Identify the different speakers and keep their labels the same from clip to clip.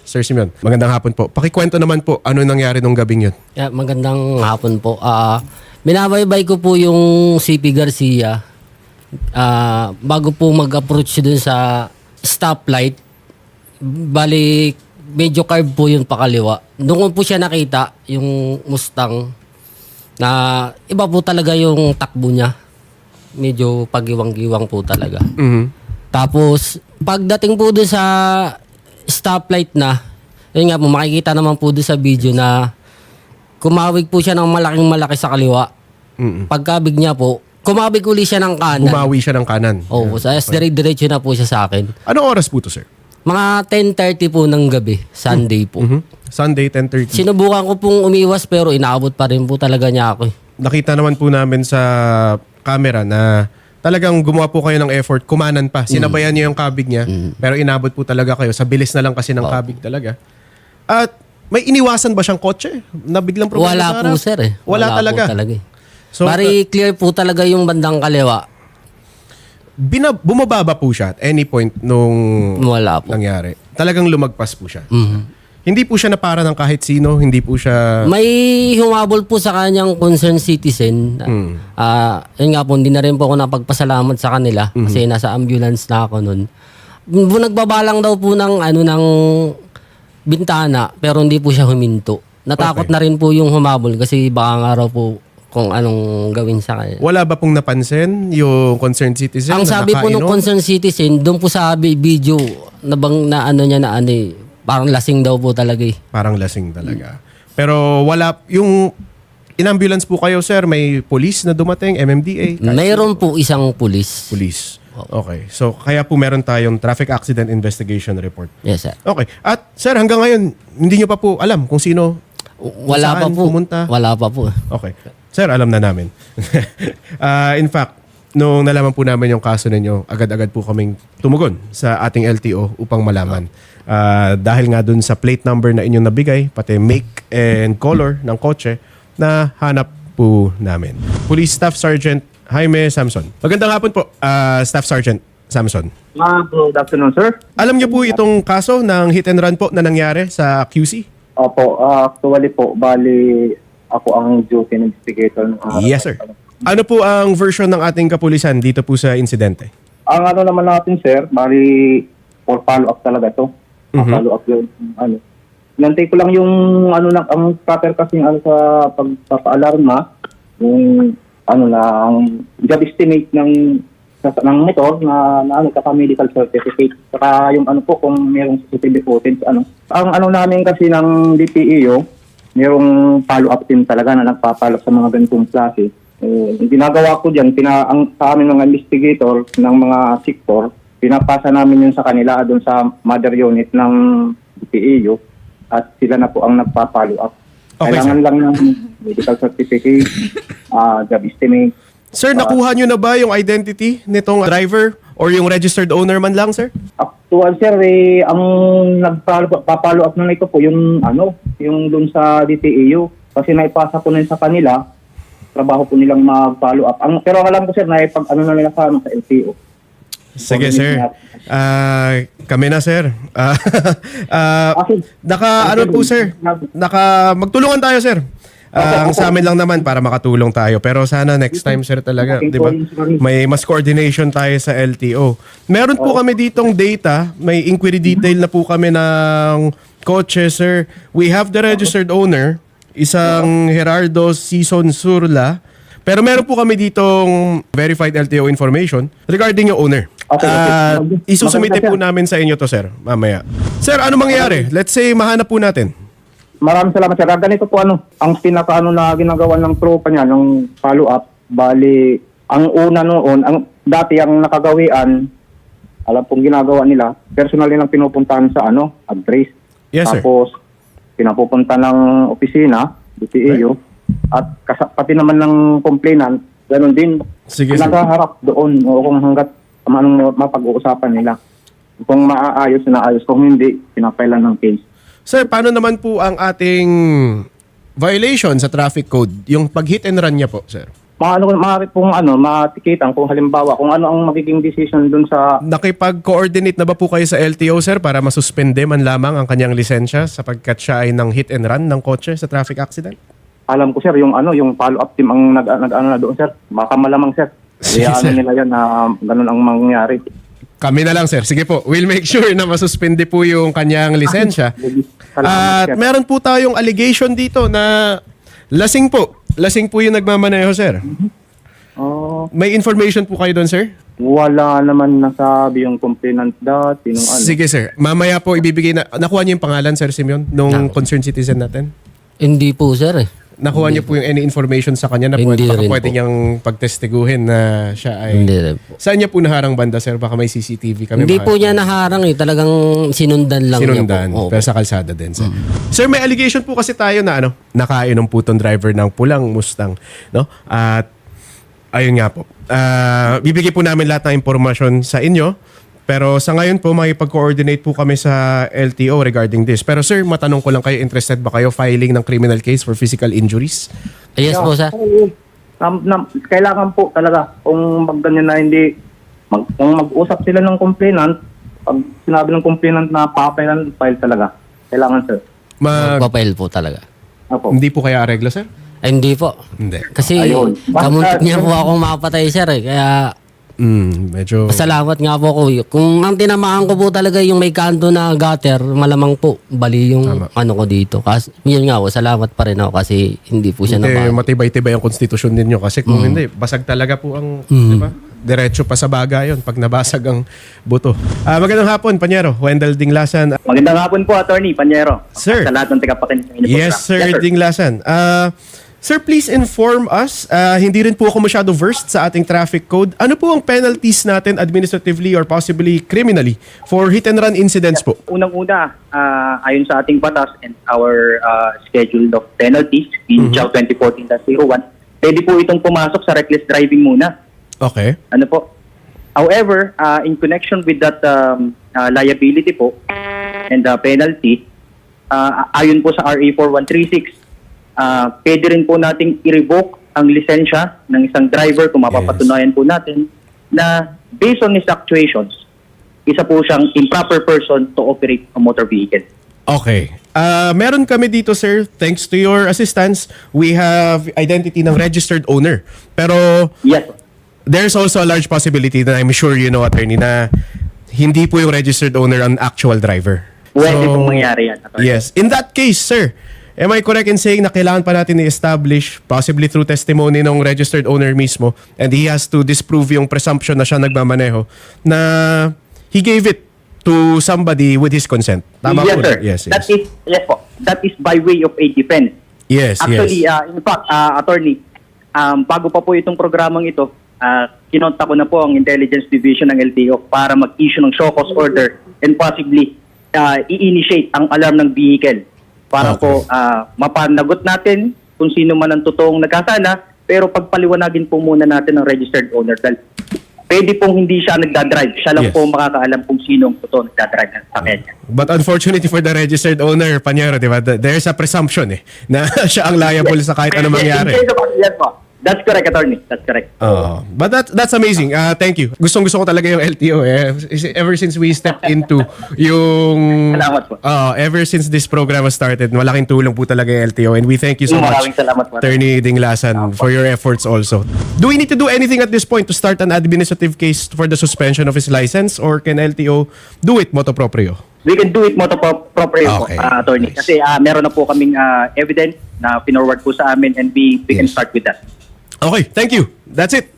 Speaker 1: Sir Simeon. Magandang hapon po. Pakikwento naman po, ano nangyari nung gabing yun?
Speaker 2: Yeah, magandang hapon po. Binabaybay ko po yung CP Garcia bago po mag-approach dun sa stoplight. Bali, medyo curve po yun pakaliwa. Doon ko po siya nakita, yung Mustang, na iba po talaga yung takbo niya. Medyo pagiwang-giwang po talaga. Tapos, pagdating po doon sa stoplight na, yun nga po, makikita naman po doon sa video na kumawig po siya ng malaking-malaki sa kaliwa. Pagkabig niya po, kumawig uli siya ng kanan.
Speaker 1: Bumawi siya ng kanan.
Speaker 2: Oo, sa dire-diretso na po siya sa akin.
Speaker 1: Anong oras po to, sir?
Speaker 2: Mga 10:30 po ng gabi, Sunday po.
Speaker 1: Sunday, 10:30.
Speaker 2: Sinubukan ko pong umiwas pero inaabot pa rin po talaga niya ako.
Speaker 1: Nakita naman po namin sa camera na talagang gumawa po kayo ng effort, kumanan pa. Sinabayan niyo yung kabig niya, pero inabot po talaga kayo. Sa bilis na lang kasi ng kabig talaga. At may iniwasan ba siyang kotse? Na biglang problema
Speaker 2: Wala
Speaker 1: sa
Speaker 2: po
Speaker 1: harap?
Speaker 2: sir eh.
Speaker 1: Wala talaga.
Speaker 2: Po talaga eh.
Speaker 1: So,
Speaker 2: Bari clear po talaga yung bandang kaliwa.
Speaker 1: bumababa po siya at any point nung
Speaker 2: Wala po.
Speaker 1: nangyari. Talagang lumagpas po siya. Hindi po siya napara ng kahit sino, hindi po siya...
Speaker 2: May humabol po sa kanyang concerned citizen. Yun nga po, hindi na rin po ako napagpasalamat sa kanila kasi nasa ambulance na ako nun. Nagbabalang daw po ng, ng bintana pero hindi po siya huminto. Natakot na rin po yung humabol kasi baka nga raw po kung anong gawin sa kanya.
Speaker 1: Wala ba pong napansin yung concerned citizen?
Speaker 2: Ang
Speaker 1: na
Speaker 2: sabi po ng
Speaker 1: nakainom?
Speaker 2: concerned citizen, doon po sa video parang lasing daw po talaga eh.
Speaker 1: Parang lasing talaga. Pero wala, yung in-ambulance po kayo, sir, may police na dumating, MMDA?
Speaker 2: Mayroon po isang pulis.
Speaker 1: Police. Okay. So, kaya po meron tayong traffic accident investigation report.
Speaker 2: Yes, sir.
Speaker 1: Okay. At, sir, hanggang ngayon, hindi nyo pa po alam kung sino,
Speaker 2: Wala pa
Speaker 1: saan
Speaker 2: po.
Speaker 1: pumunta?
Speaker 2: Wala pa po.
Speaker 1: Okay. Sir, alam na namin. In fact, nung nalaman po namin yung kaso ninyo, agad-agad po kaming tumugon sa ating LTO upang malaman. Dahil nga dun sa plate number na inyong nabigay, pati make and color ng kotse, na hanap po namin. Police Staff Sergeant Jaime Samson. Magandang hapon po, Staff Sergeant Samson.
Speaker 3: Good afternoon, sir.
Speaker 1: Alam niyo po itong kaso ng hit and run po na nangyari sa QC?
Speaker 3: Opo, actually po, bali ako ang duty investigator.
Speaker 1: Yes, sir. Ano po ang version ng ating kapulisan dito po sa insidente?
Speaker 3: Ang ano naman natin, sir, bali for follow-up talaga to. Follow-up yung Nantay ko lang yung ang proper kasi sa pagpapaalarma, yung ang job estimate ng motor na medical certificate. Saka yung kung mayroong CCTV footage, Ang namin kasi ng DPEO, mayroong follow-up team talaga na nagpapalo sa mga ganitong klase. Ginagawa ko dyan, sa amin mga investigator ng mga sector, pinapasa namin yun sa kanila doon sa mother unit ng DPEO at sila na po ang nagpa-follow up.
Speaker 1: Okay,
Speaker 3: Kailangan lang ng medical certificate, job estimate.
Speaker 1: Sir, nakuha nyo na ba yung identity nitong driver or yung registered owner man lang, sir?
Speaker 3: Actual, sir, ang nagpa-follow up na ito po yung doon sa DPEO kasi naipasa ko na yun sa kanila, trabaho po nilang mag-follow up. Pero alam ko, sir, na na nila sa LTO.
Speaker 1: Sige, sir. Kami na, sir. Magtulungan tayo, sir. Ang sa amin lang naman para makatulong tayo. Pero sana next time, sir, talaga. Di ba? May mas coordination tayo sa LTO. Meron po kami ditong data. May inquiry detail na po kami ng kotse, sir. We have the registered owner, isang Gerardo Sison Surla. Pero meron po kami ditong verified LTO information regarding yung owner. Isusumite po namin sa inyo to, sir, mamaya. Sir, ano mangyayari? Let's say, mahanap po natin.
Speaker 3: Maraming salamat, sir. Ganito po ang pinaka na ginagawa ng tropa niya, ng follow-up, bali, ang una noon, dati ang nakagawian, alam pong ginagawa nila, personally lang pinupuntahan sa address.
Speaker 1: Yes, sir.
Speaker 3: Tapos, pinapupunta ng opisina, DPEO, at pati naman ng complainant, ganun din.
Speaker 1: Sige, sir.
Speaker 3: Nakaharap doon, o kung hanggat anong mapag-uusapan nila. Kung maaayos na ayos, kung hindi, pinapailan ng case.
Speaker 1: Sir, paano naman po ang ating violation sa traffic code? Yung pag-hit and run niya po, sir.
Speaker 3: maaari pong matikitan kung halimbawa kung ano ang magiging decision dun sa
Speaker 1: Nakipag-coordinate na ba po kayo sa LTO, sir, para masuspende man lamang ang kanyang lisensya sapagkat siya ay ng hit and run ng kotse sa traffic accident?
Speaker 3: alam ko sir yung follow-up team ang nag na doon sir. Baka malamang sir.
Speaker 1: Sige,
Speaker 3: Kaya
Speaker 1: sir.
Speaker 3: nila yan na ganun ang mangyayari.
Speaker 1: Kami na lang, sir. Sige po. We'll make sure na masuspende po yung kanyang lisensya. At
Speaker 3: Sir.
Speaker 1: meron po tayong allegation dito na lasing po. Lasing po yung nagmamaneho, sir.
Speaker 3: Oh,
Speaker 1: May information po kayo doon, sir?
Speaker 3: wala naman nasabi yung complainant dati nung
Speaker 1: Sige, sir. Mamaya po ibibigay na... Nakuha niyo yung pangalan, Sir Simeon, nung concerned citizen natin?
Speaker 2: Hindi po, sir eh.
Speaker 1: Nakuha niyo po yung any information sa kanya na
Speaker 2: Hindi rin
Speaker 1: pwede
Speaker 2: po.
Speaker 1: niyang pagtestiguhin na siya ay...
Speaker 2: Hindi rin po.
Speaker 1: Saan niya po naharang banda, sir? Baka may CCTV kami.
Speaker 2: Hindi po niya naharang eh. Talagang sinundan lang
Speaker 1: Sinundan.
Speaker 2: niya po.
Speaker 1: Pero sa kalsada din, sir. Sir, may allegation po kasi tayo na nakainom po tong driver ng pulang Mustang. No? At ayun nga po. Bibigay po namin lahat ng impormasyon sa inyo. Pero sa ngayon po, makipag-coordinate po kami sa LTO regarding this. Pero sir, matanong ko lang kayo, interested ba kayo filing ng criminal case for physical injuries?
Speaker 2: Yes po, sir.
Speaker 3: Kailangan po talaga kung magganyan na hindi kung mag-usap sila ng complainant, pag sinabi ng complainant na file talaga. Kailangan sir.
Speaker 2: Papail po talaga.
Speaker 3: Opo.
Speaker 1: Hindi po kaya areglo, sir?
Speaker 2: Ay, hindi po.
Speaker 1: Hindi.
Speaker 2: Kasi
Speaker 3: Ayun.
Speaker 2: kamuntik niya po akong mapatay, sir eh. Kaya
Speaker 1: Medyo...
Speaker 2: salamat nga po ko. Kung ang tinamaan ko po talaga yung may kanto na gutter, malamang po bali yung ano ko dito. Kasi yun nga po, salamat pa rin ako kasi hindi po siya
Speaker 1: Hindi,
Speaker 2: nabago.
Speaker 1: matibay-tibay ang konstitusyon ninyo kasi kung hindi, basag talaga po ang, di ba? Diretso pa sa baga yun pag nabasag ang buto. Magandang hapon, Panyero. Wendell Dinglasan.
Speaker 4: Magandang hapon po, Attorney Panyero.
Speaker 1: Sir.
Speaker 4: Sa lahat ng tagapakinig ng inyong
Speaker 1: Yes,
Speaker 4: program.
Speaker 1: sir, Dinglasan. Sir, please inform us. Hindi rin po ako masyado versed sa ating traffic code. Ano po ang penalties natin administratively or possibly criminally for hit and run incidents po?
Speaker 4: Unang-una, ayon sa ating batas and our schedule of penalties in CHAO 2014-01, pwede po itong pumasok sa reckless driving muna.
Speaker 1: Okay.
Speaker 4: Ano po? However, in connection with that liability po and the penalty, ayon po sa RA 4136, pwede rin po nating i-revoke ang lisensya ng isang driver kung mapapatunayan po natin na based on his actuations, isa po siyang improper person to operate a motor vehicle.
Speaker 1: Okay. Meron kami dito, sir, thanks to your assistance, we have identity ng registered owner. Pero
Speaker 4: Yes.
Speaker 1: there's also a large possibility that I'm sure you know, attorney, na hindi po yung registered owner ang actual driver.
Speaker 4: Pwede pong mangyari yan, Attorney.
Speaker 1: Yes. In that case, sir, am I correct in saying na kailangan pa natin i-establish, possibly through testimony ng registered owner mismo, and he has to disprove yung presumption na siya nagmamaneho, na he gave it to somebody with his consent? Tama
Speaker 4: Yes,
Speaker 1: po?
Speaker 4: sir.
Speaker 1: Yes, yes.
Speaker 4: Yes po. That is by way of a defense.
Speaker 1: Yes,
Speaker 4: Actually,
Speaker 1: yes.
Speaker 4: in fact, Attorney, bago pa po itong programang ito, kinonta ko na po ang Intelligence Division ng LTO para mag-issue ng show cause order and possibly i-initiate ang alarm ng vehicle para po mapanagot natin kung sino man ang totoong nagkasala, pero pagpaliwanagin po muna natin ang registered owner dahil pwede pong hindi siya nagdadrive. Siya lang
Speaker 1: Yes.
Speaker 4: po makakaalam kung sino ang totoong nagdadrive ng sakyan niya.
Speaker 1: But unfortunately for the registered owner, Panyero, di ba, there's a presumption na siya ang liable sa kahit ano mangyari.
Speaker 4: Yes po. That's correct, Attorney. That's correct.
Speaker 1: But that's amazing. Thank you. Gustong-gusto ko talaga yung LTO. Ever since we stepped into yung...
Speaker 4: Salamat po.
Speaker 1: Ever since this program was started, malaking tulong po talaga yung LTO. And we thank you so much,
Speaker 4: Maraming salamat po.
Speaker 1: Attorney Dinglasan, for your efforts also. Do we need to do anything at this point to start an administrative case for the suspension of his license? Or can LTO do it motu proprio?
Speaker 4: We can do it moto proprio
Speaker 1: Okay.
Speaker 4: po, Attorney.
Speaker 1: Nice.
Speaker 4: Kasi meron na po kaming evidence na pinorward po sa amin and we can start with that.
Speaker 1: Okay, thank you. That's it.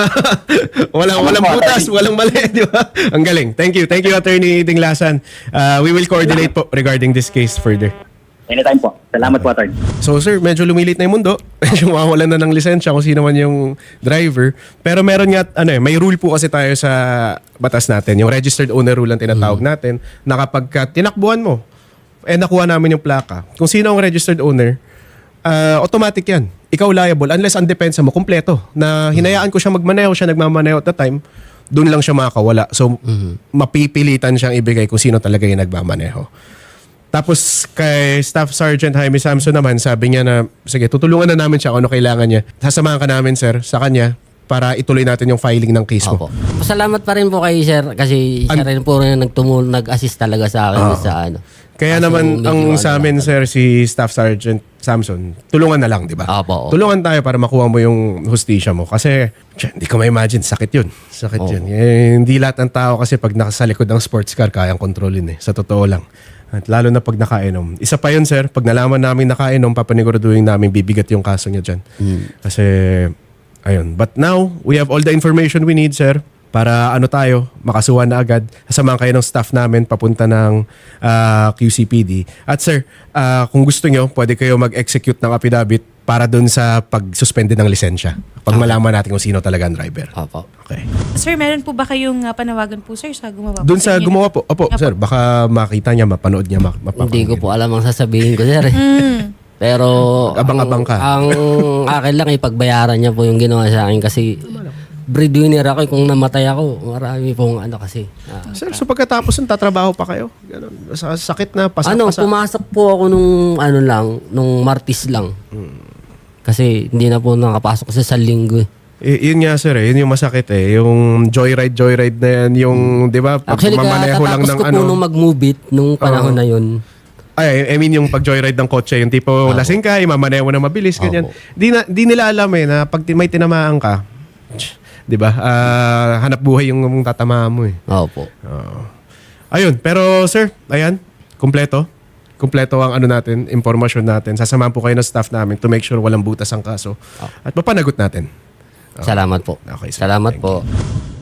Speaker 1: Walang butas, walang mali, di ba? Ang galing. Thank you, Attorney Dinglasan. We will coordinate po regarding this case further.
Speaker 4: Anytime po. Salamat po, Attorney.
Speaker 1: So sir, medyo lumilit na yung mundo. Medyo mawawalan na ng lisensya kung sino man yung driver. Pero meron nga, may rule po kasi tayo sa batas natin. Yung registered owner rule ang tinatawag natin, na kapag tinakbuhan mo, nakuha namin yung plaka. Kung sino ang registered owner, automatic yan. Ikaw liable unless ang depensa mo kompleto. Na hinayaan ko siya magmaneho, siya nagmamaneho at the time, doon lang siya makakawala. So, mapipilitan siyang ibigay kung sino talaga yung nagmamaneho. Tapos kay Staff Sergeant Jaime Samson naman, sabi niya na, sige, tutulungan na namin siya kung ano kailangan niya. Sasamahan ka namin, sir, sa kanya para ituloy natin yung filing ng case mo.
Speaker 2: Opo. Pasalamat pa rin po kay sir kasi siya rin po rin nag-assist talaga sa akin sa ano.
Speaker 1: Kaya
Speaker 2: Kaso
Speaker 1: naman
Speaker 2: medyo
Speaker 1: ang
Speaker 2: ano
Speaker 1: sa amin, sir, si Staff Sergeant Samson, tulungan na lang, di ba?
Speaker 2: Opo.
Speaker 1: Tulungan tayo para makuha mo yung hustisya mo. Kasi, hindi ko ma-imagine, sakit yun. Sakit
Speaker 2: Oo.
Speaker 1: yun. Hindi lahat ng tao kasi pag nasa likod ng sports car, kayang kontrolin Sa totoo lang. At lalo na pag nakainom. Isa pa yun, sir, pag nalaman namin nakainom, papaniguruduhin namin bibigat yung kaso niya dyan. Kasi, ayun. But now, we have all the information we need, sir, para makasuhan na agad. Sasamahan kayo ng staff namin papunta ng QCPD. At sir, kung gusto nyo, pwede kayo mag-execute ng affidavit para dun sa pag-suspende ng lisensya. Pag malaman natin kung sino talaga ang driver.
Speaker 2: Opo.
Speaker 1: Okay.
Speaker 5: Sir, meron po ba kayong panawagan po, sir, sa gumawa po
Speaker 1: Dun sa
Speaker 5: inyo?
Speaker 1: gumawa po. Opo, sir, baka makita niya, mapanood niya,
Speaker 2: Hindi ko po alam ang sasabihin ko, sir. Pero
Speaker 1: Abang-abang ka.
Speaker 2: Ang akin lang ipagbayaran niya po yung ginawa sa akin kasi breadwinner ako. Kung namatay ako, marami pong kasi.
Speaker 1: Sir, so pagkatapos nun, tatrabaho pa kayo? Ganun. Sa sakit na, pasak-pasak.
Speaker 2: Pumasok po ako nung Martis lang. Kasi hindi na po nakapasok sa linggo.
Speaker 1: Yun nga sir, yun yung masakit Yung joyride na yan, yung, di ba, pag
Speaker 2: Actually,
Speaker 1: mamaneho lang
Speaker 2: katatapos
Speaker 1: ng
Speaker 2: ko po nung mag-move it, nung panahon na yun.
Speaker 1: I mean yung pag-joyride ng kotse, yung tipo lasing ka, mamaneho mo na mabilis, ganyan. Di nila alam na pag may tinamaan ka, di ba, hanap buhay yung tatamaan mo
Speaker 2: Opo.
Speaker 1: Ayun, pero sir, ayan, kumpleto ang natin, impormasyon natin. Sasamahan po kayo ng staff namin to make sure walang butas ang kaso. At mapanagot natin.
Speaker 2: Salamat po.
Speaker 1: Okay, sir.
Speaker 2: Salamat
Speaker 1: Thank
Speaker 2: po.